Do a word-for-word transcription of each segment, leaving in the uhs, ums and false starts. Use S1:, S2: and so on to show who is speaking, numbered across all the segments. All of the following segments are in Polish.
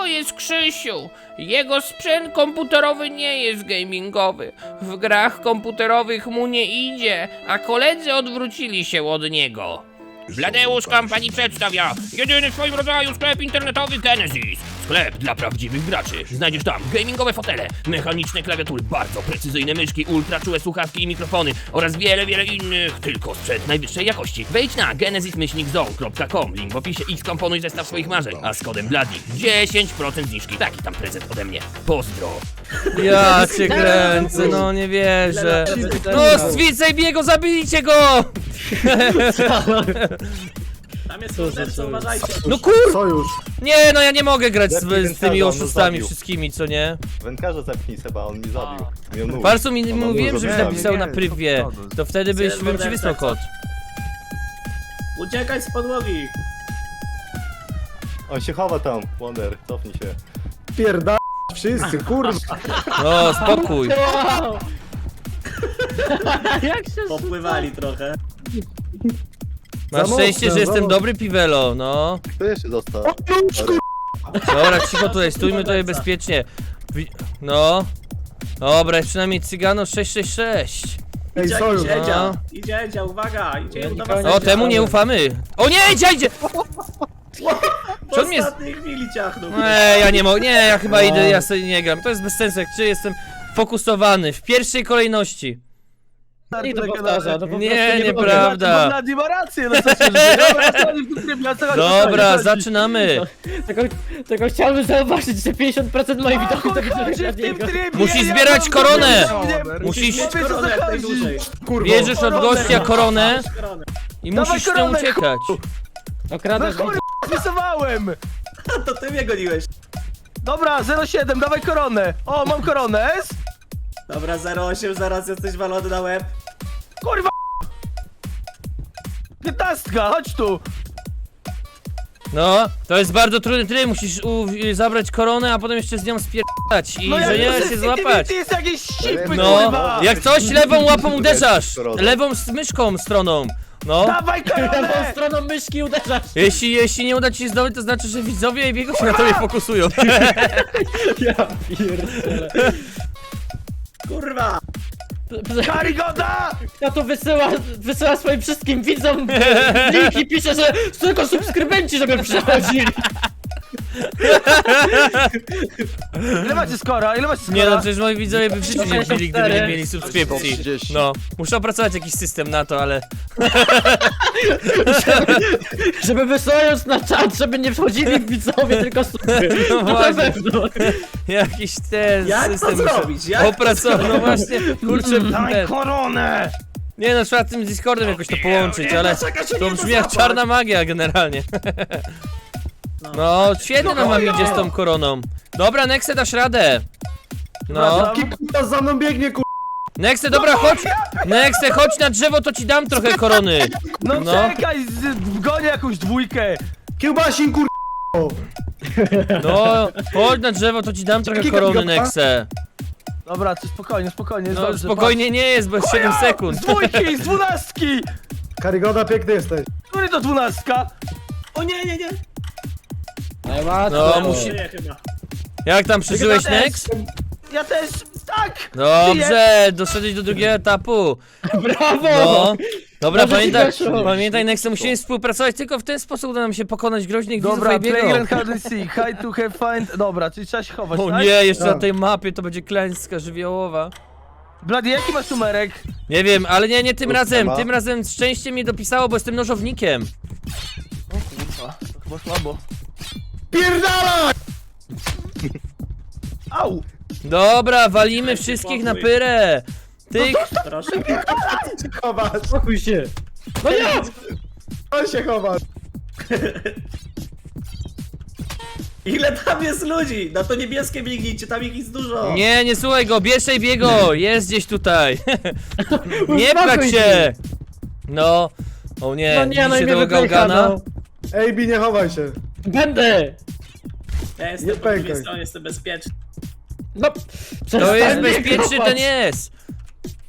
S1: To jest Krzysiu. Jego sprzęt komputerowy nie jest gamingowy. W grach komputerowych mu nie idzie, a koledzy odwrócili się od niego. Bladeusz Company przedstawia jedyny w swoim rodzaju sklep internetowy Genesis. Sklep dla prawdziwych graczy. Znajdziesz tam gamingowe fotele, mechaniczne klawiatury, bardzo precyzyjne myszki, ultra czułe słuchawki i mikrofony oraz wiele, wiele innych, tylko sprzęt najwyższej jakości. Wejdź na genesis myślnik zone kropka com, link w opisie i skomponuj zestaw swoich marzeń, a z kodem Bladi dziesięć procent zniżki. Taki tam prezent ode mnie. Pozdro.
S2: Ja cię kręcę, no nie wierzę. No z Wijego, zabijcie go!
S3: Tam jest morderca, uważajcie.
S2: No kur...
S4: Sojusz.
S2: Nie, no ja nie mogę grać z,
S4: Lepiej
S2: z tymi
S4: wędkarza, on
S2: oszustami
S4: zabił.
S2: wszystkimi, co nie?
S4: Wędkarza zepnij Seba, on mi zabił. Miał nóż.
S2: Farsu mi
S4: On ma
S2: mówiłem,
S4: nóż,
S2: żebyś
S4: zabił.
S2: napisał
S5: nie,
S2: na
S5: nie,
S2: privie.
S5: to-
S2: To wtedy byś bym ci wysłał kod.
S3: Uciekaj z podłogi.
S4: On się chowa tam, Wonder, cofnij się.
S5: Pierda... wszyscy, kurwa.
S2: No, spokój.
S6: Jak się
S3: Popływali trochę.
S2: Masz
S5: Za
S2: szczęście,
S5: mocno,
S2: że jestem
S5: za
S2: dobry piwelo, no.
S4: Kto jeszcze został?
S2: Dobra, cicho tutaj, stójmy tutaj bezpiecznie. Wi- No. Dobra, jest przynajmniej Cygano sześć sześć sześć.
S5: Ej,
S3: Idzie,
S5: sojusz.
S3: idzie, Edzia.
S2: no.
S3: Idzie, Edzia, uwaga, idzie
S6: Ja
S3: do
S6: nikogo
S3: was.
S6: nie
S2: O, temu nie ufamy. O nie, idzie, idzie!
S3: W
S2: co on jest-
S3: ostatniej chwili ciachnął.
S2: Ej, ja nie mogę, nie, ja chyba idę, ja sobie nie gram. To jest bez sensu, jak czy jestem fokusowany w pierwszej kolejności.
S6: I to powtarza, to po
S2: Nie,
S6: prostu nie
S2: nieprawda.
S5: Bladi ma rację, no co się dzieje? Dobra, co oni w tym trybie, o co chodzi?
S2: Dobra,
S5: Co chodzi?
S2: zaczynamy.
S6: Tylko, tylko chciałbym zauważyć, że pięćdziesiąt procent moich
S5: O
S6: widoków
S5: chuj
S6: to
S5: chodzi
S6: widzę
S5: w tym
S6: Bladiego.
S5: trybie,
S2: Musisz
S5: ja
S2: zbierać
S5: mam
S2: koronę.
S5: problem,
S2: Musisz-
S5: nie wiem, co
S3: Koronę jak
S5: chodzi.
S3: najdłużej.
S5: Kurwa.
S2: Bierzesz od
S5: Koronę,
S2: gościa
S5: no.
S2: koronę
S3: Koronę.
S2: i
S5: Dawaj
S2: musisz nie
S5: koronę,
S2: uciekać.
S5: No
S6: Okradasz
S5: kurwa, wpisywałem.
S3: To ty mnie goniłeś.
S5: Dobra, zero siedem, dawaj koronę. O, mam koronę, S.
S3: Dobra, zero osiem, zaraz jesteś walony na łeb.
S5: Kurwa. Piętnastka, chodź tu.
S2: No, to jest bardzo trudny tryb, musisz u, zabrać koronę, a potem jeszcze z nią spierdać i
S5: No
S2: że
S5: jak
S2: nie
S5: to
S2: się złapać.
S5: Ty jest jakieś sipy,
S2: No,
S5: kurwa.
S2: jak coś lewą łapą uderzasz,
S4: Koronę.
S2: lewą z myszką stroną. No,
S5: Dawaj
S6: Lewą
S5: koronę.
S6: stroną myszki uderzasz.
S2: jeśli, jeśli nie uda ci się zdobyć, to znaczy, że widzowie i biegu się na tobie fokusują.
S6: Ja pierdolę.
S3: Kurwa.
S5: Karygoda.
S6: Kto tu wysyła, wysyła swoim wszystkim widzom link i pisze, że tylko subskrybenci, żeby przechodzili.
S5: Ile macie skora? Ile macie skora?
S2: Nie no, przecież moi widzowie by w życiu nie wbili, gdyby nie mieli
S4: sto
S2: subskrypcji.
S4: trzydzieści.
S2: No, muszę opracować jakiś system na to, ale...
S6: Żeby wysyłając na czat, żeby nie wchodzili widzowie, tylko subskrybenci.
S2: No
S6: To na
S2: właśnie.
S6: pewno.
S2: Jakiś ten
S3: Jak to
S2: system muszę
S3: zrobić? Jak to
S2: opracować. No właśnie, kurczę,
S5: Dawaj
S2: ten.
S5: koronę.
S2: Nie no, trzeba tym Discordem jakoś to połączyć, ale
S3: Czekaj, się
S2: to
S3: nie
S2: brzmi
S3: da
S2: jak
S3: złapać.
S2: czarna magia generalnie. No, świetnie nam wam idzie z tą koroną. Dobra, Nexe, dasz radę. No,
S5: Kto za mną biegnie, kur...
S2: Nexe, dobra, chodź. Nexe, chodź na drzewo, to ci dam trochę korony.
S5: No,
S2: No.
S5: czekaj, z- gonię jakąś dwójkę. Kiełbasin, kur...
S2: No, chodź na drzewo, to ci dam trochę korony, Nexe.
S5: Dobra, to spokojnie, spokojnie, jest
S2: No,
S5: dobrze.
S2: spokojnie nie jest, bo jest siedem sekund.
S5: Z dwójki, z dwunastki!
S7: Karygoda, piękny jesteś.
S5: Który to dwunastka?
S3: O nie, nie, nie.
S6: Najłatwiej.
S2: No, musi-
S3: Nie, chyba.
S2: Jak tam przeżyłeś,
S5: Ja też.
S2: Nex?
S5: Ja też, tak!
S2: Dobrze, doszedłeś do drugiego etapu.
S6: Brawo!
S2: No. Dobra,
S6: Dobrze ci
S2: pamiętaj,
S6: weszło.
S2: pamiętaj, Nexe, musimy współpracować, tylko w ten sposób uda nam się pokonać groźnych widzów
S5: Dobra, play
S2: Fabiego.
S5: and hard and seek, hide to have find... Dobra, czyli trzeba się chować,
S2: O
S5: tak?
S2: nie, jeszcze na
S7: Tak.
S2: tej mapie to będzie klęska żywiołowa.
S5: Blady, jaki masz numerek?
S2: Nie wiem, ale nie, nie tym
S4: Kurwa.
S2: razem, tym razem szczęście mnie dopisało, bo jestem nożownikiem.
S5: O kurwa, to chyba słabo.
S7: Pierdala!
S5: Au!
S2: Dobra, walimy wszystkich na pyrę. Tych,
S3: Proszę.
S7: Chowasz,
S6: Spokój się. No nie!
S7: on się chowa.
S3: Ile tam jest ludzi? Na to niebieskie biegnijcie, tam ich jest dużo.
S2: nie, nie słuchaj go, bierzej biego, jest gdzieś tutaj. Nie
S6: Uspokój
S2: pchać się. No, o nie,
S6: No nie, no i
S2: widzicie
S6: mnie
S2: tego
S6: wypycha,
S2: gałgana?
S6: no.
S7: Ej, Bi, nie chowaj się.
S6: Będę!
S3: Ja jestem
S7: Nie
S3: po drugiej
S7: pękaj.
S3: stronie, jestem bezpieczny.
S6: No,
S2: To
S6: przestań
S2: jest
S6: mnie
S2: bezpieczny,
S6: kopać.
S2: ten jest.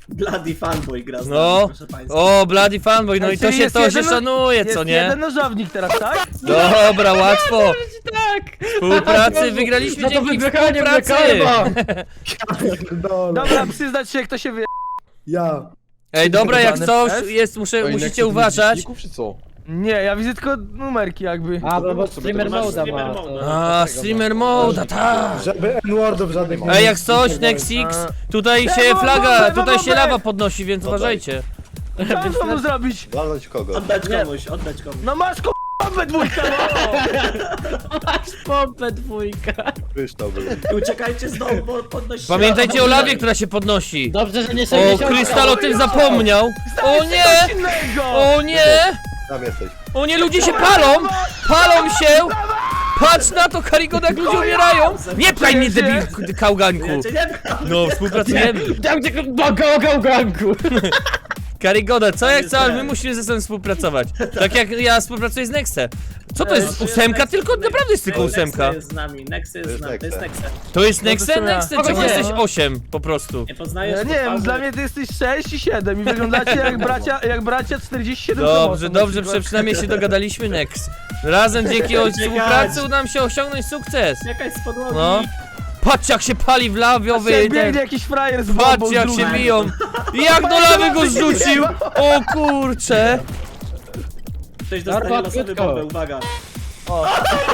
S3: Bloody fanboy gra z nami,
S2: No,
S3: proszę państwa.
S2: o, Bloody Fanboy, no i to
S5: Czyli
S2: się,
S5: jest
S2: to się
S5: jeden no-
S2: szanuje,
S5: Jest
S2: co nie?
S5: jeden nożownik teraz, tak?
S2: Dobra, łatwo.
S6: Tak!
S2: Współpracy, wygraliśmy
S6: No to
S2: dzięki
S6: wybranie
S2: współpracy.
S7: Pierdolę.
S5: Dobra, przyznać się, kto się wie.
S7: Ja.
S2: Ej, dobra, jak
S5: Zdecydowane
S2: coś
S5: F?
S2: jest, muszę, musicie uważać.
S8: Czy co?
S5: Nie, ja widzę tylko numerki jakby.
S6: A, bo, bo streamer
S3: masz
S6: moda
S3: streamer
S6: ma.
S3: moda.
S6: to-
S2: A, streamer mode, tak.
S7: Żeby N-wordów żadnych nie
S2: Ej, jak
S7: nie
S2: coś,
S7: było.
S2: Nexix, tutaj
S5: Ja
S2: się
S5: mam
S2: flaga,
S5: bombę,
S2: tutaj
S5: mam
S2: się
S5: bombę.
S2: lawa podnosi, więc uważajcie.
S5: Co mam mu zrobić?
S4: Walnąć kogo?
S3: Oddać komuś, oddać komuś.
S5: No masz k***a dwójkę, no!
S6: Masz pompę dwójka.
S4: Kryształ był.
S3: I uciekajcie z domu, bo podnosi
S2: Pamiętajcie o lawie, która się podnosi.
S6: Dobrze, że nie
S2: O,
S6: sześćdziesiąt.
S2: Krystal o tym zapomniał. O
S5: Coś
S2: nie!
S5: innego!
S2: O nie!
S4: Tam jesteś.
S2: O nie, ludzie się palą! Palą się! Patrz na to, Karigoda, jak ludzie umierają! Nie pchaj mnie, debil, kałganku!
S3: Ja cię nie wiem.
S2: No, współpracujemy.
S6: Tam gdzie go ganku.
S2: Karigoda, co jak
S3: jest
S2: co, ale my
S3: ten.
S2: musimy ze sobą współpracować. Tak jak ja współpracuję z Nexe. Co to jest? Ósemka? Tylko naprawdę jest tylko ósemka.
S3: Nexe jest z nami, Nexe jest z nami, to jest Nexe.
S2: To jest
S5: No to
S2: Nexe?
S5: co ja?
S2: Nexe? Czemu
S6: Nie.
S2: jesteś osiem po prostu?
S3: Nie poznajesz
S5: Ja nie wiem, dla mnie ty jesteś sześć i siedem i wyglądacie jak bracia, jak bracia czterdzieści siedem
S2: Dobrze,
S5: promosów na
S2: dobrze,
S5: przykład.
S2: prze- przynajmniej się dogadaliśmy, Nex. Razem dzięki o- współpracy uda nam się osiągnąć sukces.
S3: Jakaś z podłogi.
S2: No. Patrz jak się pali w lawiowy
S5: Patrzcie,
S2: ten...
S5: biegnie jakiś frajer z bombą
S2: Patrz
S5: z
S2: jak się
S5: drugiej.
S2: biją! Jak do lawy go zrzucił! O kurcze!
S3: Ktoś dostanie
S6: Darła,
S3: losowy
S6: krótko.
S3: bombę, uwaga.
S6: O,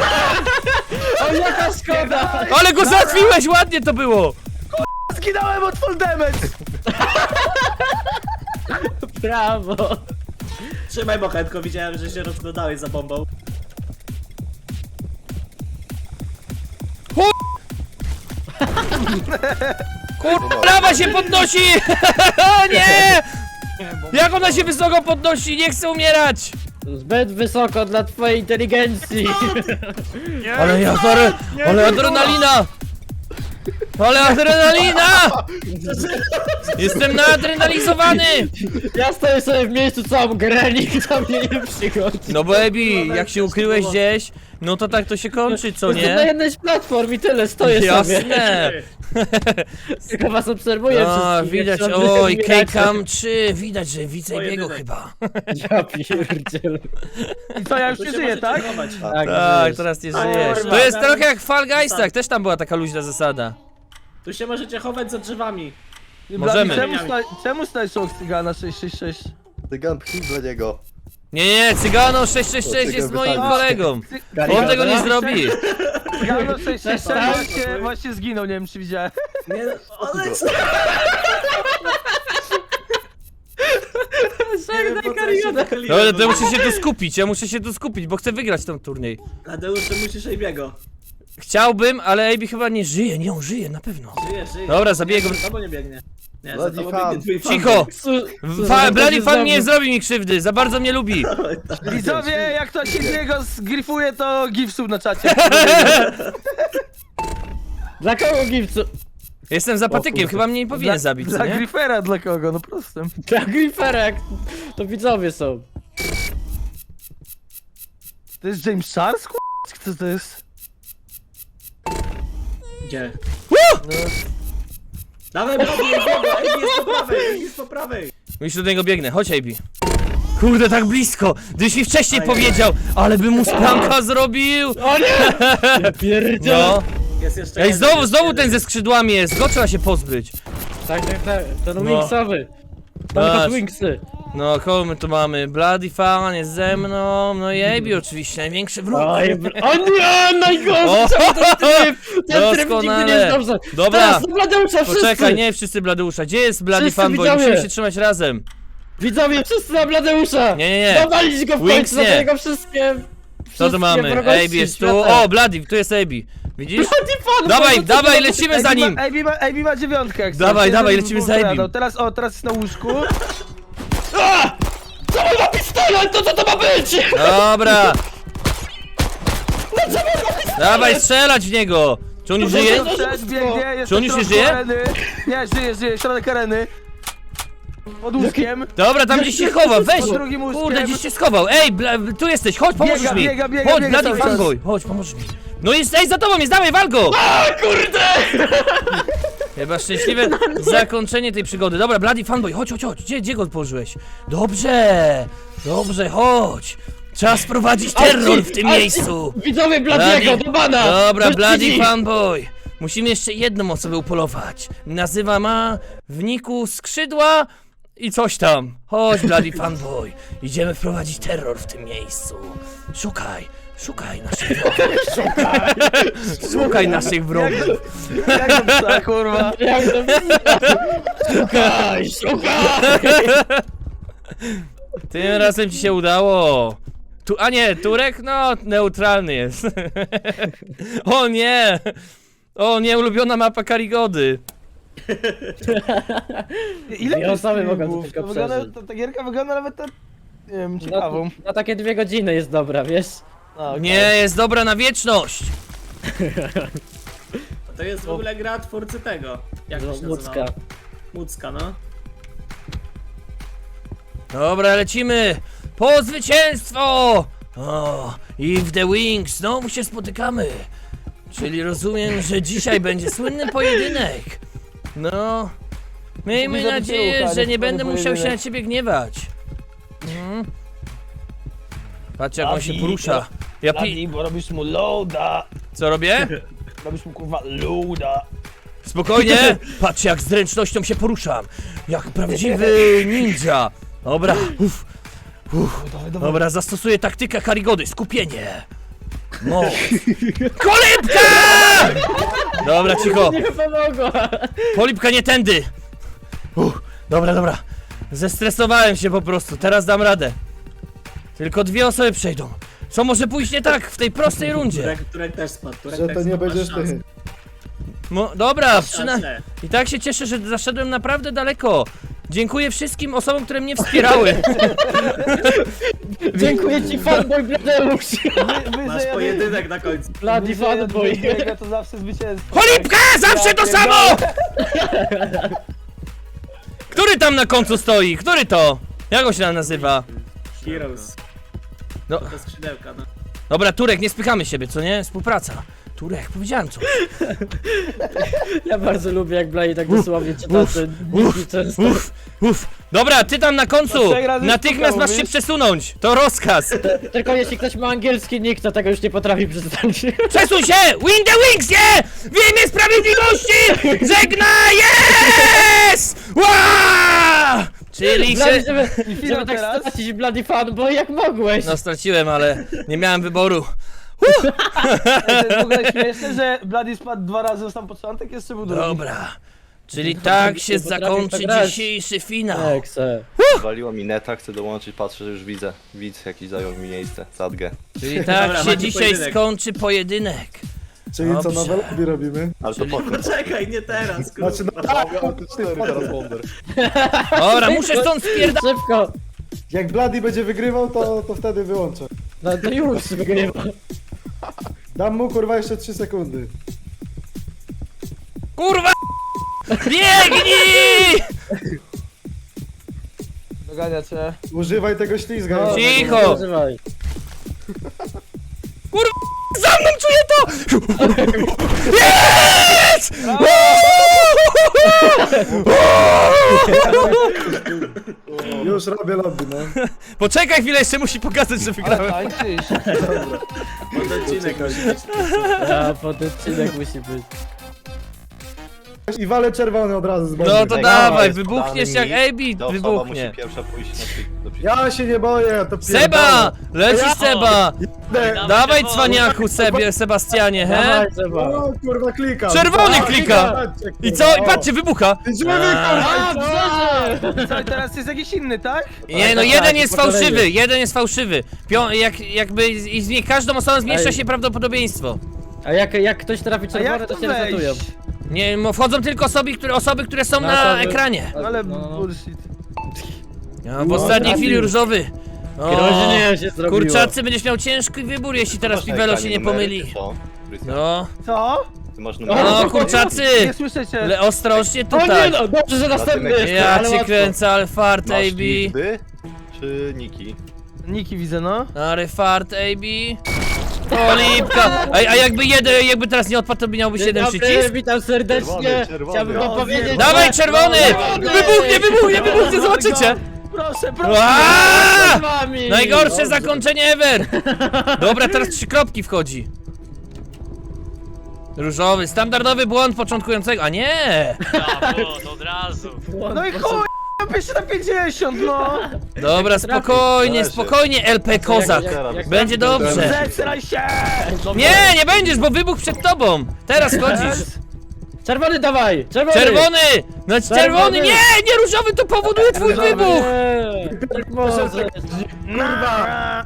S6: jaka szkoda!
S2: Ale go załatwiłeś, ładnie to było!
S5: Zginąłem od full damage!
S6: Brawo!
S3: Trzymaj bochenko, widziałem, że się rozglądałeś za bombą.
S2: Kur... Lawa się podnosi! O nie! Jak ona się wysoko podnosi? Nie chcę umierać!
S6: Zbyt wysoko dla twojej inteligencji!
S2: Ale ja adre... Ale adrenalina! Ale adrenalina! Jestem naadrenalizowany!
S6: Ja stoję sobie w miejscu całą grę, nikt do mnie nie przychodzi.
S2: No bo Ebi, jak się ukryłeś gdzieś, no to tak to się kończy, co
S6: Jestem na
S2: nie?
S6: jednej z platform i tyle, stoję sobie.
S2: Jasne!
S6: Tylko was obserwuję
S2: No,
S6: wszystkich.
S2: widać,
S6: jak się
S2: oj,
S6: odbieracie.
S2: K-Cam trzy, widać, że widzę
S3: Twoje
S2: jego
S3: wyżej.
S2: chyba.
S6: Ja pierdzielę.
S5: I co, ja już
S3: Tu
S5: nie
S3: się
S5: żyję,
S3: możecie
S5: tak?
S3: chować.
S6: Tak,
S2: Tak,
S6: żyjesz.
S2: teraz nie
S3: A,
S2: żyjesz.
S3: kurwa.
S2: To jest trochę jak w Fall Geistach, też tam była taka luźna zasada.
S3: Tu się możecie chować za drzewami.
S2: Możemy.
S5: Czemu, sta czemu stajesz obok Cygana sześć sześć sześć?
S4: Tygan pchnij dla niego.
S2: Nie, nie, nie, Cygano sześć sześć sześć jest moim kolegą. On tego nie zrobi.
S5: Cygano sześć sześć sześć właśnie, właśnie zginął, nie wiem czy widziałem.
S3: Nie, ale co? Nie wiem, po co ja się wychyliłem,
S2: No ale
S3: bo-
S2: to ja muszę się tu skupić, ja muszę się tu skupić, bo chcę wygrać ten turniej.
S3: Tadeusz, ty musisz Ejbiego.
S2: Chciałbym, ale Ejbi chyba nie żyje, nie, on żyje, na pewno.
S3: Żyje, żyje.
S2: Dobra, zabiję go.
S3: Za tobą nie biegnie. Nie, za
S4: Bloody
S3: tobą
S4: fan.
S3: biegnie twój fan.
S2: Cicho!
S6: Su- su-
S2: Fa
S6: su-
S2: Bloody
S6: su-
S2: Fan
S6: su-
S2: nie zrobi mi krzywdy, za bardzo mnie lubi.
S5: Widzowie, jak ktoś się z niego zgrifuje, to gifsów na czacie.
S6: Dla kogo gipsu?
S2: Jestem zapatykiem, chyba mnie nie powinien
S5: Dla-
S2: zabić, co
S5: Dla
S2: nie?
S5: grifera dla kogo, no prostym.
S6: Dla Griferek. To widzowie są.
S5: To jest James Charles, ku... Kto to jest?
S3: Gdzie?
S2: Woo!
S3: Dawaj, Bloody, Ejbiego, Ejbi jest po prawej, Ejbi jest po prawej.
S2: Już do niego biegnę, chodź Ejbi. Kurde, tak blisko! Gdybyś mi wcześniej
S3: Ajaj.
S2: powiedział, ale bym mu spranka zrobił!
S6: O nie! Ja pierdzielę.
S2: No.
S3: Jest jeszcze
S2: Ej,
S3: jeden,
S2: znowu,
S3: jest
S2: znowu
S3: jeden.
S2: ten ze skrzydłami jest, go trzeba się pozbyć.
S6: Tak, tak, tak. Ten
S2: No.
S6: Wingsowy. Tam
S2: Patrz.
S6: tylko Wingsy.
S2: No, kogo my tu mamy? Bloody Fan jest ze mną, no i Ejbi oczywiście, największy wróg.
S6: Oj, br- o nie, najgorszy!
S2: O,
S6: Czemu ten tryb? Ten tryb nigdy nie
S2: doskonale.
S6: jest dobrze.
S2: Dobra.
S6: Teraz do Bladeusza wszyscy!
S2: Poczekaj, nie wszyscy Bladeusza, gdzie jest Bloody
S6: Wszyscy
S2: Fanboy?
S6: widzowie.
S2: Musimy się trzymać razem.
S6: Widzowie, wszyscy na Bladeusza!
S2: Nie, nie, nie.
S6: Dowalić go w
S2: Wings
S6: końcu,
S2: nie.
S6: za niego wszystkie...
S2: Co
S6: wszystkie
S2: tu mamy?
S6: wrogości
S2: Ejbi jest tu,
S6: świata.
S2: o, Bloody, tu jest Ejbi. Widzisz?
S6: Bloody Fan,
S2: Dawaj,
S6: bo to
S2: dawaj,
S6: co-
S2: lecimy za
S5: Ejbi
S2: nim!
S5: ma, Ejbi ma, Ejbi ma dziewiątkę, jak
S2: Dawaj,
S5: chcesz.
S2: dawaj,
S5: Jeden
S2: lecimy
S5: był
S2: za Ejbim.
S5: poradał. Teraz, o, teraz jest na łóżku.
S6: Co on ma pistolet? To co to ma być?
S2: Dobra! Dawaj, strzelać w niego! Czy on już żyje?
S6: to-
S5: Przed, biegnie, jest
S2: Czy on
S5: na
S2: już nie
S5: środku
S2: żyje?
S5: areny. Nie, żyje, żyje, środek areny. Pod łóżkiem.
S2: Dobra, tam gdzieś się chowa, weź!
S5: Pod drugim łóżkiem.
S2: Kurde, gdzieś się schował. Ej, bla, tu jesteś, chodź, pomożesz
S5: Biega,
S2: mi!
S5: biega, biega,
S2: Chodź,
S5: biega
S2: Bloody
S5: cały czas.
S2: Fanboy, chodź, pomożesz mi. No jest, ej, za tobą jest, dawaj, wal go!
S6: A kurde!
S2: Chyba szczęśliwe zakończenie tej przygody. Dobra, Bloody Fanboy, chodź, chodź, chodź. Gdzie, gdzie go położyłeś? Dobrze, dobrze, chodź. Trzeba sprowadzić terror w tym
S6: Ach,
S2: miejscu.
S6: Widzowie Bladiego,
S2: Bloody-
S6: do bana!
S2: Dobra,
S6: Bez
S2: Bloody
S6: ludzi.
S2: Fanboy. Musimy jeszcze jedną osobę upolować. Nazywa ma w niku skrzydła i coś tam. Chodź, Bloody Fanboy. Idziemy wprowadzić terror w tym miejscu. Szukaj, szukaj naszych wrogów. Szukaj, szukaj naszych wrogów.
S5: Jak to psa, kurwa.
S6: Jak to wygląda? Szukaj, szukaj!
S2: Tym razem ci się udało. Tu, a nie, Turek? No, neutralny jest. O nie! O nie, ulubiona mapa Karigody.
S5: Ile
S6: Dwie
S5: tu
S6: osoby mogą
S5: streamów?
S6: tylko
S5: To wygląda,
S6: przeżyć.
S5: ta, ta gierka wygląda nawet tak, nie wiem,
S6: No,
S5: ciekawą.
S6: na takie dwie godziny jest dobra, wiesz?
S5: A, okej.
S2: Nie, jest dobra na wieczność.
S3: To jest w ogóle gra twórcy tego. Jak to się
S6: Łódzka.
S3: nazywa? Łódzka, no.
S2: Dobra, lecimy. Po zwycięstwo! O, i w The Wings znowu się spotykamy. Czyli rozumiem, że dzisiaj będzie słynny pojedynek. No, miejmy
S5: Mówi, że
S2: nadzieję,
S5: wytyłka,
S2: że
S5: nie
S2: nie będę
S5: słynny
S2: musiał się na
S5: pojedynek.
S2: ciebie gniewać. Mhm. Patrz jak on się
S5: Bladi,
S2: porusza. Ja pi...
S5: Bladi, bo robisz mu loada.
S2: Co robię?
S5: Robisz mu kurwa loada.
S2: Spokojnie! Patrz jak z zręcznością się poruszam. Jak prawdziwy ninja. Dobra, uff.
S5: Dawaj, dawaj.
S2: Dobra, zastosuję taktykę Karigody, skupienie. No. Kolibka! Dobra, cicho.
S6: Nie pomogła!
S2: Polipka nie tędy. Uff, dobra, dobra. Zestresowałem się po prostu, teraz dam radę. Tylko dwie osoby przejdą. Co może pójść nie tak w tej prostej rundzie?
S3: Turek, Turek też spadł. Turek
S7: Że
S3: też
S7: to nie
S3: spadł,
S7: będziesz
S3: masz szansę.
S7: ty.
S2: No, dobra,
S3: Masz
S2: przyna...
S3: szansę.
S2: I tak się cieszę, że zaszedłem naprawdę daleko. Dziękuję wszystkim osobom, które mnie wspierały.
S6: Dziękuję ci, fanboy Bladeusz!
S5: Wy,
S3: Masz
S5: wyżej
S3: pojedynek na końcu.
S6: Bloody fanboy!
S5: Biega to zawsze zwycięstwo.
S2: Polipka! Zawsze to
S5: pierdolę.
S2: samo! Który tam na końcu stoi? Który to? Jak on się tam nazywa?
S3: Heroes.
S2: No.
S3: To skrzydełka, no.
S2: Dobra, Turek, nie spychamy siebie, co nie? Współpraca. Turek, powiedziałem co.
S6: Ja bardzo lubię, jak Blady tak dosłownie czyta te niki często.
S2: Uff, uff. Dobra, ty tam na końcu!
S5: To trzech razy
S2: Natychmiast
S5: sztuka
S2: masz się
S5: mówisz?
S2: przesunąć! To rozkaz!
S6: Tylko jeśli ktoś ma angielski nick, to tego już nie potrafi przeczytać.
S2: Przesuń się! Win the wings, nie! W imię sprawiedliwości! Żegnaj! Yes! Ła! Czyli
S6: Blady,
S2: się...
S6: żeby,
S5: finał
S6: żeby tak
S5: teraz?
S6: stracić Bloody fanboy, jak mogłeś?
S2: No straciłem, ale nie miałem wyboru.
S5: To jest w ogóle śmieszne, że Bloody spadł dwa razy na sam początek, jeszcze był drugi.
S2: Dobra. Czyli tak się
S6: Nie potrafisz
S2: zakończy
S6: tak grać.
S2: dzisiejszy finał.
S6: Ekse.
S4: Waliło mi neta, chcę dołączyć, patrzę, że już widzę. Widz jakiś zajął mi miejsce, zadgę.
S2: Czyli tak
S3: Dobra,
S2: się
S3: macie
S2: dzisiaj
S3: pojedynek.
S2: skończy pojedynek.
S7: Czyli co,
S2: Dobrze.
S7: nowe lobby robimy?
S4: Ale to potem.
S3: Poczekaj, nie teraz, kurwa.
S7: Znaczy, no,
S4: cztery teraz Wonder.
S2: Dobra, muszę stąd spierdać.
S6: Szybko!
S7: jak Bloody będzie wygrywał, to, to wtedy wyłączę.
S6: No to już wygrywa.
S7: Dam mu kurwa jeszcze trzy sekundy.
S2: Kurwa! Biegnij!
S5: Dogania cię.
S7: Używaj tego ślizga.
S6: No,
S7: jeszcze.
S2: Cicho!
S6: Używaj.
S2: Kurwa! Za mną czuję to! Jest!
S7: Już robię lobby, no.
S2: Poczekaj chwilę, jeszcze musi pokazać, że
S5: Ale
S2: wygrałem.
S5: tańczysz.
S3: Pod odcinek musi być.
S6: Ja, pododcinek musi być.
S7: I walę czerwony od razu z bomby.
S2: No to
S4: Ej,
S2: dawaj,
S4: jest
S2: wybuchniesz
S4: podany
S2: jak
S4: mi,
S2: A B
S4: to osoba
S2: wybuchnie.
S4: musi pierwsza pójść na przy- do przy-
S7: Ja się nie boję, to
S2: Seba! Lecisz
S7: Ja-
S2: Seba!
S7: pierdolę.
S2: Dawaj cwaniaku Sebie, Sebastianie, he?
S6: Dawaj, Seba.
S7: O kurwa klika.
S2: Czerwony
S7: A,
S2: klika.
S7: patrzcie,
S2: I
S7: kurwa,
S2: co? I
S7: o.
S2: patrzcie, wybucha!
S7: Żywy
S6: A,
S7: kurwa!
S6: brze!
S5: Co, i teraz jest jakiś inny, tak?
S2: Nie no,
S6: tak,
S2: jeden
S6: tak,
S2: jest
S6: po kolei.
S2: fałszywy, jeden jest fałszywy. Pią jak, jakby z- i z każdą osobą zmniejsza
S6: Ej.
S2: się prawdopodobieństwo.
S6: A jak, jak ktoś trafi
S5: A
S6: czerwone,
S5: jak
S6: to
S5: to
S6: się resetują.
S5: wejść?
S2: Nie, mo- wchodzą tylko osoby, które, osoby, które są
S6: Na
S2: na
S6: osoby.
S2: ekranie.
S5: Ale
S6: No, no, no.
S5: bullshit.
S2: No, w ostatniej chwili różowy. O,
S6: Groźnie się zrobiło.
S2: kurczacy, będziesz miał ciężki wybór, jeśli teraz
S4: Masz na
S2: Pivelo się
S4: ekranie
S2: nie
S4: numery,
S2: pomyli.
S4: czy co? Krystian,
S2: No,
S5: Co?
S4: ty masz
S2: no,
S4: numery?
S2: kurczacy!
S5: Nie słyszę cię.
S2: Ale ostrożnie
S6: O nie
S2: tutaj.
S6: no, dobrze, że następny
S4: Ja
S6: jest,
S2: Ja
S6: ale
S2: cię
S6: łatwo.
S2: kręcę, ale fart A
S4: Masz
S2: B.
S4: liczby czy niki?
S5: Niki widzę, no.
S2: Ale fart A B. Olipka! A, a jakby jeden, jakby teraz nie odpadł, to by miałbyś jeden
S6: Dobry,
S2: przycisk?
S6: witam serdecznie.
S4: Czerwony, czerwony.
S6: Chciałbym wam
S3: O,
S6: powiedzieć...
S2: Dawaj,
S6: że-
S2: czerwony! Wybuchnie, wybuchnie, wybuchnie, zobaczycie!
S5: Proszę, proszę!
S2: Aaaa!
S6: Z wami.
S2: Najgorsze zakończenie ever! Dobra, teraz trzy kropki wchodzi. Różowy, standardowy błąd początkującego, a nie!
S5: No i chuj! Pisze na pięćdziesiąt, no!
S2: Dobra, spokojnie,
S4: Leży.
S2: spokojnie, L P Kozak.
S6: Jak- jak- jak-
S2: Będzie dobrze.
S5: Zesraj się!
S2: Nie, nie będziesz, bo wybuch przed tobą. Teraz chodzisz.
S6: Czerwony dawaj! Czerwony!
S2: Czerwony! No czerwony,
S6: Czerwony.
S2: nie, nie różowy, to powoduje twój wybuch.
S6: Nie, tak może.
S5: Kurwa!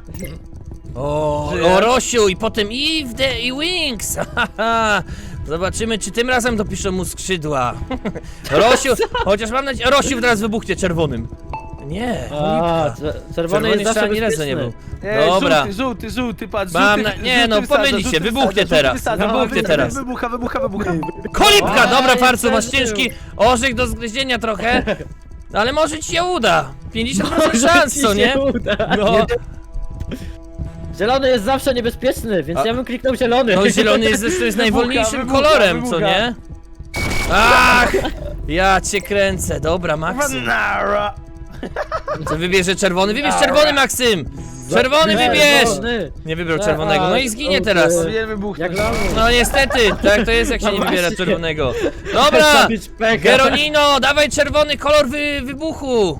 S2: O, o Rosiu i potem i w the i Wings. Haha. Zobaczymy, czy tym razem dopiszą mu skrzydła. Rosiu, chociaż mam nadzieję, Rosiu teraz wybuchnie czerwonym. Nie,
S6: A,
S2: Olipka.
S6: cze- czerwony
S2: Czerwony
S6: jest
S2: jeszcze
S6: zawsze
S2: ani razu nie
S6: bezpieczny.
S2: był.
S5: Ej,
S2: Dobra.
S5: Żółty, żółty, żółty, patrz,
S2: Mam
S5: żółty,
S2: na- nie,
S5: żółty
S2: no,
S5: wysadza,
S2: pomyli się,
S5: żółty
S2: wybuchnie
S5: wysadza,
S2: teraz,
S5: żółty wysadza,
S2: wybuchnie
S5: wybuchnie
S2: teraz.
S5: Wybucha, wybucha, wybucha.
S2: Kolipka, dobra
S6: Oj,
S2: farcu, masz
S6: przeżył.
S2: ciężki orzech do zgryzienia trochę. Ale może ci się uda. pięćdziesiąt procent
S6: Może
S2: szans,
S6: ci
S2: co
S6: się
S2: nie?
S6: uda.
S2: No,
S6: Zielony jest zawsze niebezpieczny, więc
S2: A-
S6: ja bym kliknął zielony.
S2: no zielony jest zresztą jest najwolniejszym
S5: wybucha,
S2: kolorem,
S5: wybucha.
S2: co nie? Ach! Ja cię kręcę, dobra, Maksym.
S5: Nara!
S2: Co wybierze czerwony? Wybierz czerwony, Maksym! Czerwony
S6: Nie,
S2: wybierz!
S6: zielony.
S2: Nie wybrał czerwonego, no i zginie teraz.
S5: Powinien wybuchnąć.
S6: Jak lamus.
S2: No niestety, tak to jest jak się nie
S6: No
S2: wybiera
S6: właśnie.
S2: czerwonego. Dobra!
S6: Zabić pecha.
S2: Geronino, dawaj czerwony kolor wy, wybuchu!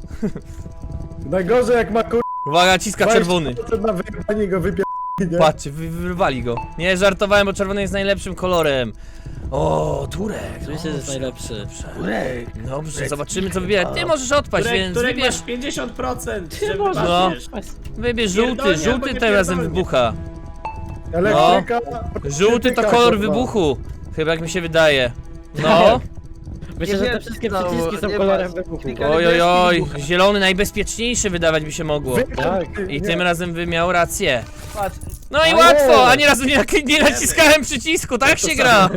S7: Najgorzej jak ma kur...
S2: Uwaga, ciska czerwony.
S7: na wyjebanie go wypier... nie?
S2: Patrzcie, wy, wyrwali go. Nie, żartowałem, bo czerwony jest najlepszym kolorem. O, Turek.
S6: Oczywiście, że jest najlepszy.
S2: Dobrze, dobrze, zobaczymy co wybiera. Ty możesz odpaść,
S3: Turek,
S2: więc
S3: Turek
S2: wybierz,
S3: masz pięćdziesiąt procent, żeby
S6: możesz.
S2: No.
S3: patrzeć.
S2: wybierz żółty,
S3: Pierdolnie, albo
S2: żółty
S3: nie
S2: tym razem
S3: pierdolnie.
S2: wybucha.
S7: Elektryka...
S2: Żółty to
S7: elektryka,
S2: kolor
S7: kurwa.
S2: wybuchu. Chyba jak mi się wydaje. No.
S6: Myślę, że te
S5: wiem,
S6: wszystkie
S5: co,
S6: przyciski są
S5: nie
S6: kolorem
S5: ma.
S6: wybuchu.
S5: Klika-
S2: Oj, oj, oj, zielony najbezpieczniejszy wydawać by się mogło.
S7: Wypier...
S2: I
S7: nie.
S2: tym razem by miał rację.
S5: Patrz,
S2: No i
S7: Ale-
S2: łatwo, ani razu nie, nie naciskałem przycisku, tak się gra.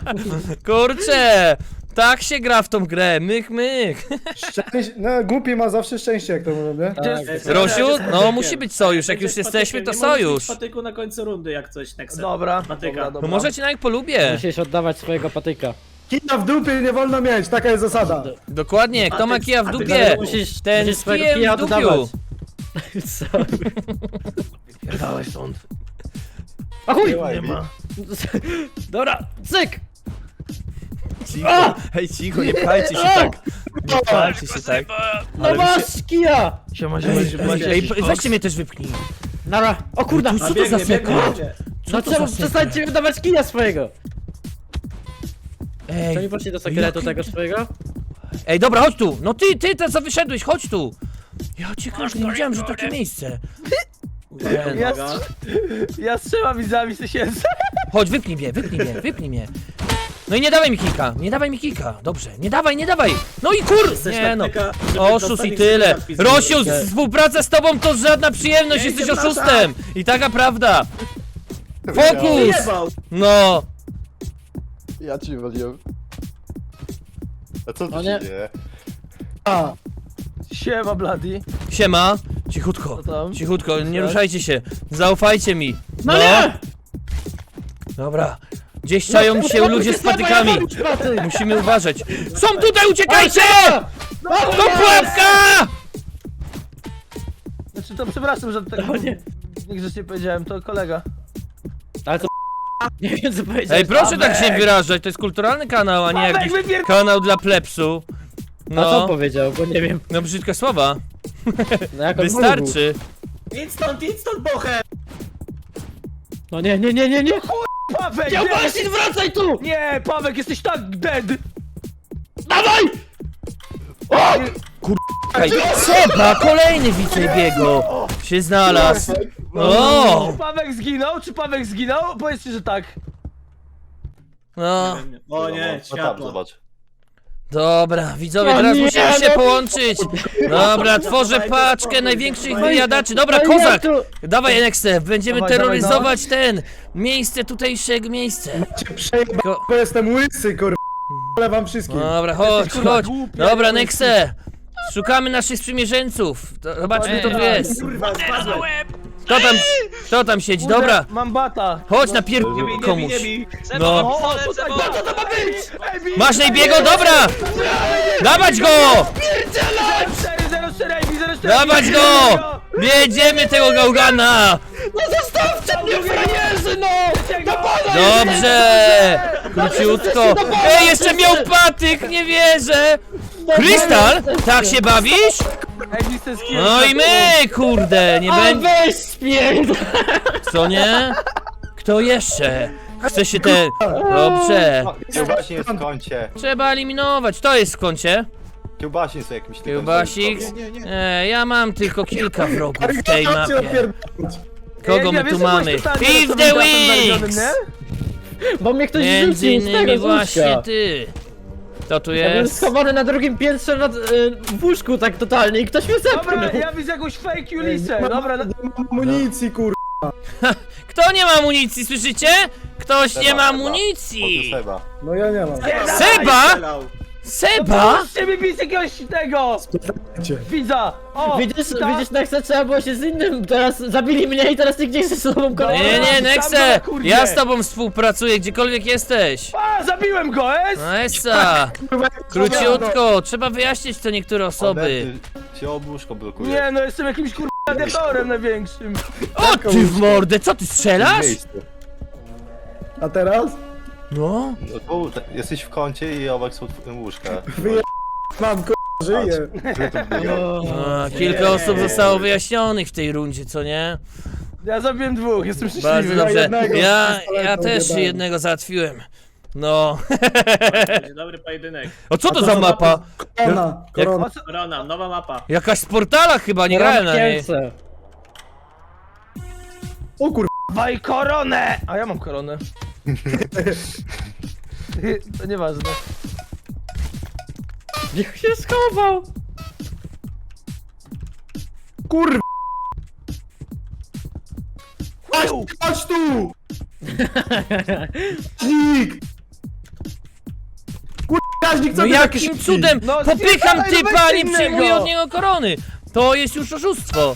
S2: Kurczę, tak się gra w tą grę, mych, mych.
S7: Szczęście... No, głupi ma zawsze szczęście, jak to mówią, nie?
S5: gdzie-
S2: Rosiu,
S3: Będziesz
S2: no
S3: patykiem.
S2: musi być sojusz, jak już
S3: Będziesz
S2: jesteśmy, to
S3: patykiem. Nie możesz
S2: sojusz.
S3: mieć patyku na końcu rundy, jak coś, Nexen.
S5: Dobra,
S3: Patyka.
S5: dobra,
S2: No
S5: dobra.
S2: może cię nawet polubię.
S6: Musisz oddawać swojego patyka.
S7: Kija w dupie nie wolno mieć, taka jest zasada.
S2: Dokładnie, kto ma
S3: Patyk-
S2: kija w
S3: patyk-
S2: dupie,
S6: Musisz,
S2: ten
S6: musisz
S2: z
S6: swojego
S2: kijem
S6: kija
S2: w dupiu.
S6: oddawać. Co?
S5: Pierdalaj stąd.
S6: A chuj!
S3: Nie ma.
S6: Dobra, cyk!
S2: Cicho, hej cicho, nie pchajcie się tak. Nie pchajcie się tak.
S6: No
S2: Ale
S6: masz kija!
S5: Siema,
S2: Ej, ej, ej, weźcie mnie też wypchnij.
S6: Nara! O kurda!
S2: Co
S3: A
S2: to
S3: biegnie,
S2: za
S3: biegnie,
S2: sekund?
S3: biegnie.
S6: No
S2: to
S6: czemu
S2: za
S6: przestańcie wydawać kija swojego?
S2: Ej,
S6: To nie poszli do sekretu
S2: jaki-
S6: tego swojego?
S2: ej, dobra, chodź tu. No ty, ty, ten co wyszedłeś, chodź tu. Ja cię kręcę, nie wiedziałem, że takie miejsce. Ten.
S5: Ja,
S3: Uwaga.
S5: ja strzelam widzami tysięcy.
S2: Chodź, wypnij mnie, wypnij mnie, wypnij mnie. No i nie dawaj mi kika, nie dawaj mi kika. Dobrze, nie dawaj, nie dawaj. No i kur...
S3: Jesteś
S2: Nie
S3: tak
S2: no.
S3: taka, żeby
S2: Oszust
S3: dostanie
S2: i tyle.
S3: napis.
S2: Rosiu, współpraca z tobą to żadna przyjemność,
S3: Nie,
S2: jesteś
S3: nie,
S2: oszustem. I taka prawda. Fokus!
S3: Wyjebał.
S2: No.
S4: Ja ci waliłem. A co tu
S6: O
S4: się
S6: nie.
S4: dzieje?
S7: A,
S5: Siema, Bloody.
S2: Siema. Cichutko,
S5: Co tam?
S2: cichutko, nie ruszajcie się. Zaufajcie mi.
S6: No nie!
S2: Dobra. Gdzieś czają się ludzie z patykami. Musimy uważać. Są tutaj, uciekajcie! Do pułapka!
S5: Znaczy to przepraszam, że tak
S6: No nie.
S5: niegrzecznie powiedziałem, to kolega.
S6: Ale to nie wiem co powiedzieć.
S2: Ej, proszę tak się nie wyrażać, to jest kulturalny kanał, a nie
S5: Paweł,
S2: jakiś
S5: wypier-
S2: kanał dla plepsu.
S6: A co
S2: No,
S6: powiedział, bo nie wiem.
S2: no brzydkie słowa.
S6: No jak on mówił.
S2: Wystarczy.
S3: Idź stąd, idź stąd, bochę!
S6: No nie, nie, nie, nie, nie!
S5: Pawek!
S6: Nie
S5: nie!
S6: uważaj, wracaj tu!
S5: Nie, Pawek, jesteś tak dead!
S6: Dawaj!
S2: Ej, Seba, kolejny wicebiego się znalazł. O!
S5: Czy Pawek zginął? Czy Pawek zginął? Powiedzcie, że tak.
S2: No,
S3: O nie,
S4: No tam,
S3: światło.
S4: zobacz.
S2: dobra, widzowie,
S6: O
S2: teraz
S6: nie,
S2: musimy się
S6: no-
S2: połączyć. Dobra, tworzę paczkę największych wyjadaczy. Dobra,
S6: No i
S2: kozak!
S6: jak tu-
S2: Dawaj, Enexte, będziemy
S5: Dawaj, dawaj,
S2: terroryzować ten miejsce, tutejszego miejsce.
S7: cię przejebał,
S2: Ko-
S7: bo jestem łysy, kur... Ale wam wszystkim.
S2: Dobra, chodź,
S5: kurwa
S2: chodź.
S5: głupi,
S2: Dobra,
S5: jak
S2: Nexe. Szukamy naszych sprzymierzeńców. To- Zobaczmy, kto tu jest.
S3: Kurwa, spadłem.
S2: Kto tam, kto tam siedzi?
S5: Kurde,
S2: Dobra,
S5: mam bata.
S2: chodź na pier...
S3: Nie bij, nie bij,
S2: komuś.
S3: nie bij.
S2: No.
S5: O, tutaj bata to ma być! Ej, bij,
S2: Masz
S5: bij,
S2: najbiego?
S5: bij,
S2: Dobra! Dawać go!
S5: cztery zero cztery, ej, bij, zero cztery.
S2: Dawać go! Jedziemy tego gałgana!
S6: No zostawcie mnie, frajerzy, no! Do pana
S2: Dobrze! Króciutko. Ej, jeszcze miał patyk, nie wierzę! Krystal? Tak się bawisz?
S5: Ej, bij, ten skill.
S2: No i my, kurde, nie
S6: A
S2: będzie...
S6: weź spień!
S2: Co nie? Kto jeszcze? Chce się te... Dobrze.
S4: Kiełbasin jest w kącie.
S2: Trzeba eliminować. To jest w kącie.
S4: Kiełbasin są jakimś tylko...
S2: Kiełbasik. E, ja mam tylko kilka wrogów w tej
S7: Chodźcie
S2: mapie.
S7: odpierdolić.
S2: Kogo
S5: Ej,
S2: my
S5: ja
S2: tu
S5: wiesz, że
S2: mamy?
S5: byłeś totalnie
S2: Beef the
S5: osobnym znalezionym,
S2: Wings!
S5: nie?
S6: Bo mnie ktoś
S2: Między
S6: rzucił z tego,
S2: innymi
S6: z
S2: właśnie
S6: łóżka.
S2: ty. Kto tu
S6: Ja byłem
S2: jest?
S6: schowany na drugim piętrze nad, y, w łóżku tak totalnie i ktoś mnie
S5: Dobra,
S6: zepchnął.
S5: ja widzę jakąś fake
S7: Nie
S5: Ulisę.
S7: ma-
S5: Dobra, no,
S7: nie ma amunicji, kur...
S2: Kto nie ma amunicji, słyszycie? Ktoś nie ma
S4: Seba,
S2: amunicji!
S4: Seba.
S7: No ja nie mam.
S2: Seba?
S3: Strzelał.
S2: Seba?
S5: Puśćcie mi bić jakiegoś tego!
S7: Cię.
S5: Widza! O!
S6: Widzisz,
S5: ta-
S6: widzisz, Nexa, trzeba było się z innym, teraz zabili mnie i teraz nikt nie chce z sobą
S2: Nie,
S6: kolejny.
S2: nie,
S5: Tam
S2: Nexe!
S5: na kurde.
S2: Ja z tobą współpracuję, gdziekolwiek jesteś.
S5: A, zabiłem go, es!
S2: No Esa! Króciutko, trzeba wyjaśnić to niektóre osoby.
S4: Onety cię obłóżko blokuje.
S5: Nie, no jestem jakimś kurwa gladiatorem największym.
S2: O ty w mordę, co ty strzelasz?
S7: A teraz?
S2: No.
S4: No tu, te- jesteś w kącie i obok są twoje łóżka.
S7: Wyje... Mam, kur... żyję.
S2: A, kilka osób zostało wyjaśnionych w tej rundzie, co nie?
S5: Ja zabiłem dwóch, jestem
S2: Bardzo
S5: szczęśliwy.
S2: dobrze.
S7: jednego
S2: Ja, ja
S7: pistoletem
S2: też
S7: zjebałem.
S2: jednego załatwiłem. No.
S8: Będzie dobry pojedynek.
S2: O co to
S7: to
S2: za
S7: za
S2: mapa?
S7: Korona, korona.
S5: O co?
S8: Korona, nowa mapa.
S2: Jakaś z portala chyba, nie grałem na niej.
S6: Kielce.
S7: O kur...
S5: Dawaj koronę! A ja mam koronę. To nieważne.
S6: Jak się schował?
S7: Kur... Chodź, chodź tu! Dźwig! Kur... Każdy chce
S2: No
S7: być
S2: jakim
S7: jakiś
S2: cudem
S5: No,
S2: popycham
S5: spierdalaj,
S2: typa,
S5: weź
S2: a nie
S5: innego.
S2: przyjmuję od niego korony. To jest już oszustwo.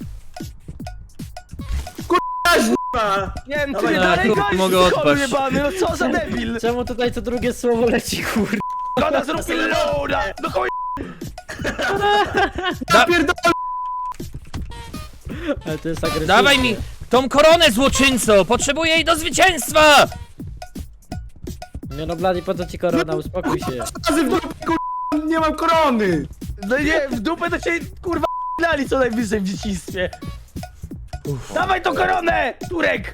S5: Nie wiem, ty
S3: Dawaj,
S5: mnie
S2: no,
S5: dalej
S2: kur-
S5: gonisz,
S2: mogę
S5: ty chory
S2: odpaść.
S5: jebany, no co za debil!
S6: Czemu tutaj co drugie słowo leci, kur...
S5: Koda zrób loada! No chuj!
S2: Da
S6: Ale to jest agresywne.
S2: dawaj mi tą koronę, złoczyńco. Potrzebuję jej do zwycięstwa.
S6: Nie no, Blady, po co ci korona, uspokój się.
S7: razy w dupę, kur... nie mam korony!
S5: No nie, w dupę to cię kurwa dali co najwyżej w dzieciństwie. Dawaj tą koronę, Turek!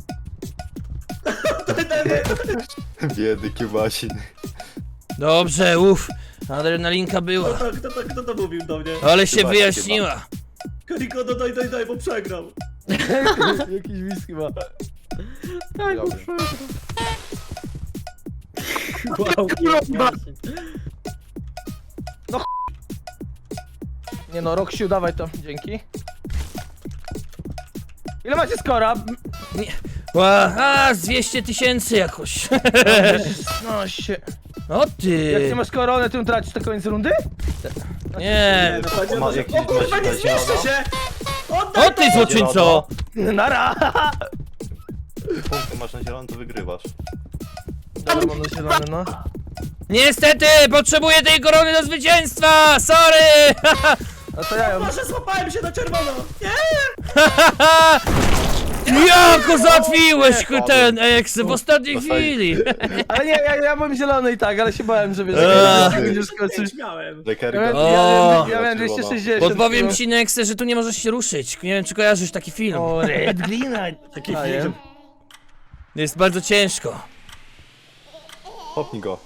S4: Biedy kiełbasin.
S2: Dobrze, uff. Adrenalinka była.
S3: Kto, kto, to- kto to mówił do mnie?
S2: Ale się
S4: Chyba,
S2: wyjaśniła.
S3: Kariko, no daj, daj, daj, bo przegrał.
S5: Jakiś wis chyba.
S6: Tak,
S4: Dobra.
S6: wow,
S7: Kurwa.
S5: Nie no, Roksiu, dawaj to, dzięki. Ile macie skora?
S2: Ła, a, z dwieście tysięcy jakoś.
S5: No się.
S2: O
S5: Jak
S2: ty.
S5: nie masz koronę, to ją tracisz na koniec rundy?
S2: Nie.
S3: no chodzi o
S4: Ma
S3: to, że...
S4: jakiś
S3: O kurwa, nie
S4: gość
S3: zmieszczę
S4: zielono?
S3: się! Oddaj
S2: O ty, złoczyńco.
S5: Nara!
S4: Punkty masz na zielono, to wygrywasz.
S5: Dobra, mam na zielony, no.
S2: Niestety, potrzebuję tej korony do zwycięstwa. Sorry.
S5: A to ja ją...
S3: Boże, złapałem się na czerwono! Nie!
S2: Jako załatwiłeś ten eks w ostatniej
S4: Dostali.
S2: chwili.
S5: Ale nie, ja, ja byłem zielony i tak, ale się bałem, że wiesz,
S2: Eee.
S5: że będziesz skoczyć.
S3: Pięć miałem.
S5: Ja
S4: Lekergo.
S5: miałem,
S2: O.
S5: ja miałem, ja miałem dwieście sześćdziesiąt.
S2: Podpowiem ci, Nexe, że tu nie możesz się ruszyć. Nie wiem, czy kojarzysz taki film.
S5: O, Red Glina. Taki film.
S2: Jest bardzo ciężko.
S4: Popnij go.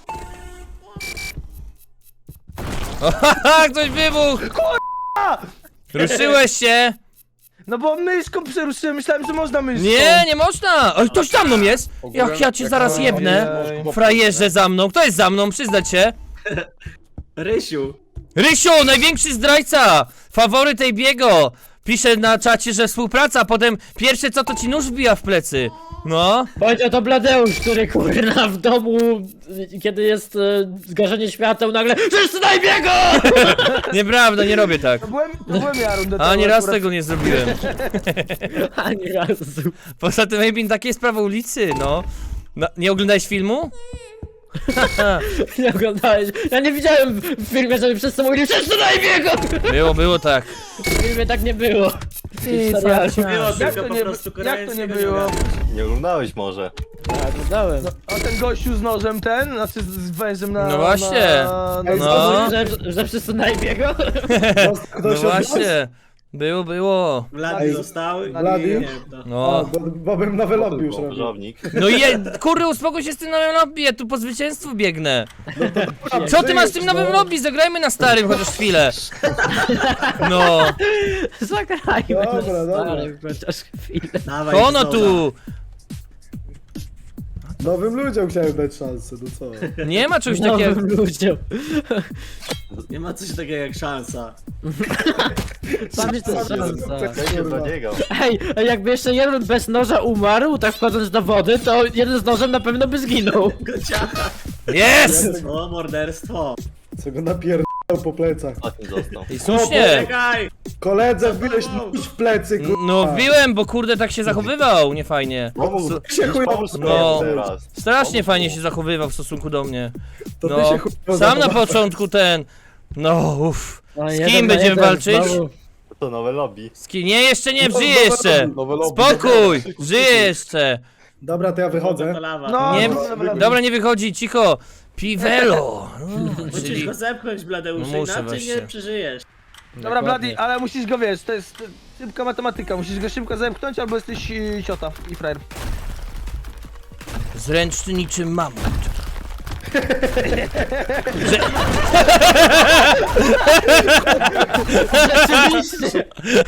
S2: Haha, ktoś wybuchł! Ruszyłeś się!
S5: No bo myszką przeruszyłem, myślałem, że można myszką.
S2: Nie, nie można! Ale ktoś za mną jest! Jak ja cię zaraz jebnę! Frajerze za mną! Kto jest za mną? Przyznać się!
S3: Rysiu.
S2: Rysiu, największy zdrajca! Faworyt tej biego! pisze na czacie, że współpraca, a potem pierwsze co to ci nóż wbija w plecy. No.
S6: Powiedział to Bladeusz, który kurna w domu, kiedy jest e, zgaszenie świateł, nagle wszyscy na biego!
S2: Nieprawda, nie robię tak.
S5: To byłem, to byłem ja rundę
S2: A
S5: temu
S2: nie raz
S5: akurat.
S2: tego nie zrobiłem.
S6: Ani razu.
S2: Poza tym Ejbin, takie jest prawo ulicy, no. no. Nie oglądałeś filmu?
S6: Nie oglądałeś. Ja nie widziałem w filmie, żeby wszyscy mówili wszyscy na biego!
S2: Było, było tak.
S6: W filmie tak nie było.
S2: Ty,
S8: Było
S5: Jak
S8: tylko
S5: to
S8: po
S5: nie,
S8: prostu
S5: jak to
S8: koreańskiego
S5: nie było?
S8: ogarniasz.
S4: Nie oglądałeś może.
S6: Ja oglądałem.
S5: A ten gościu z nożem ten, znaczy z z wężem na...
S2: No właśnie.
S5: Na, na,
S7: Ej,
S2: No.
S6: Że, że wszyscy na biego?
S7: Ktoś
S2: No
S7: odniósł?
S2: właśnie. Było, było.
S8: Vladi
S7: Ej,
S8: zostały.
S7: Vladi?
S8: Nie wiem, to.
S7: A,
S2: No.
S7: bo, bo bym nowy lobby już robił.
S4: Krzyżownik.
S2: No i je, kurde, uspokój się z tym nowym lobby, ja tu po zwycięstwu biegnę. Co ty masz z tym nowym lobby? Zagrajmy na starym chociaż chwilę. No.
S6: Zagrajmy.
S7: Dobra,
S6: na
S7: dobra.
S6: stary, chociaż chwilę.
S8: Dawaj,
S2: Ono
S8: Zoza.
S2: tu.
S7: Nowym ludziom chciałem dać szansę, no co?
S2: Nie ma czegoś takiego.
S6: Nowym ludziom.
S8: Nie ma coś takiego jak szansa.
S6: Sam jest to szansa.
S4: Będzie dla niego.
S6: Ej, a jakby jeszcze jeden bez noża umarł, tak wchodząc do wody, to jeden z nożem na pewno by zginął.
S8: Kociaka.
S2: Jest!
S8: O, morderstwo.
S7: Co go napierdał po plecach.
S4: Ostatni został.
S2: I słusznie.
S8: Czekaj!
S7: Koledze wbiłeś nóż w plecy, kurwa.
S2: No wbiłem, bo kurde tak się zachowywał, niefajnie.
S4: Pomóż,
S7: się chuj-
S4: pomóż
S2: No.
S4: swojemu teraz.
S2: Strasznie fajnie się zachowywał w stosunku do mnie.
S7: To ty
S2: No,
S7: się chuj-
S2: sam na początku ten. No, uff.
S6: No,
S2: Z
S6: jeden
S2: kim
S6: na
S2: będziemy
S6: jeden
S2: walczyć?
S6: znowu.
S4: To nowe lobby.
S2: Z kim? Nie, jeszcze nie,
S7: No,
S2: żyje
S7: nowe
S2: jeszcze.
S7: lobby,
S4: nowe lobby.
S2: Spokój, żyje jeszcze.
S7: Dobra, to ja wychodzę.
S8: To lawa.
S5: No,
S2: Nie,
S5: no, dobra.
S2: dobra, nie wychodzi, cicho. Piwelo. No,
S8: Musisz
S2: czyli...
S8: go zepchnąć, Bladeuszu,
S2: No muszę
S8: inaczej
S2: właśnie.
S8: nie przeżyjesz.
S5: Dobra, Bladi, ale musisz go, wiesz, to jest e, szybka matematyka, musisz go szybko zamknąć, albo jesteś e, ciota i frajer.
S2: Zręczny niczym mamut.
S6: Rzeczywiście.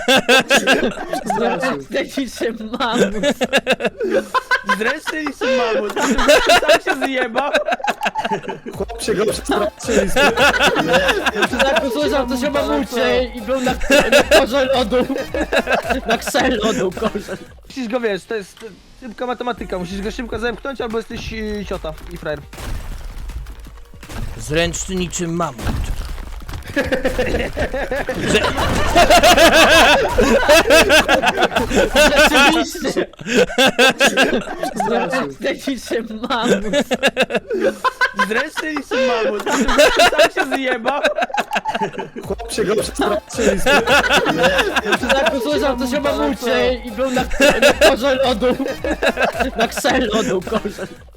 S6: Zresztą się mam.
S5: Zresztą i się mamut, sam się zjebał.
S7: Chłop się go przestraszył i
S6: Czy tak usłyszał coś o mamucie i był na, na korze lodu. Na krze lodu korze.
S5: Musisz go, wiesz, to jest e, szybka matematyka, musisz go szybko zamknąć, albo jesteś e, ciota i frajer.
S2: Zręczny niczym mamut.
S6: Rzeczywiście. Zresztą się mam.
S5: Zresztą i się mamut, sam się zjebał.
S7: chłop się go przestraszył i
S6: Czy tak usłyszał coś o mamucie i był na, na korze lodu. Na krze lodu korze.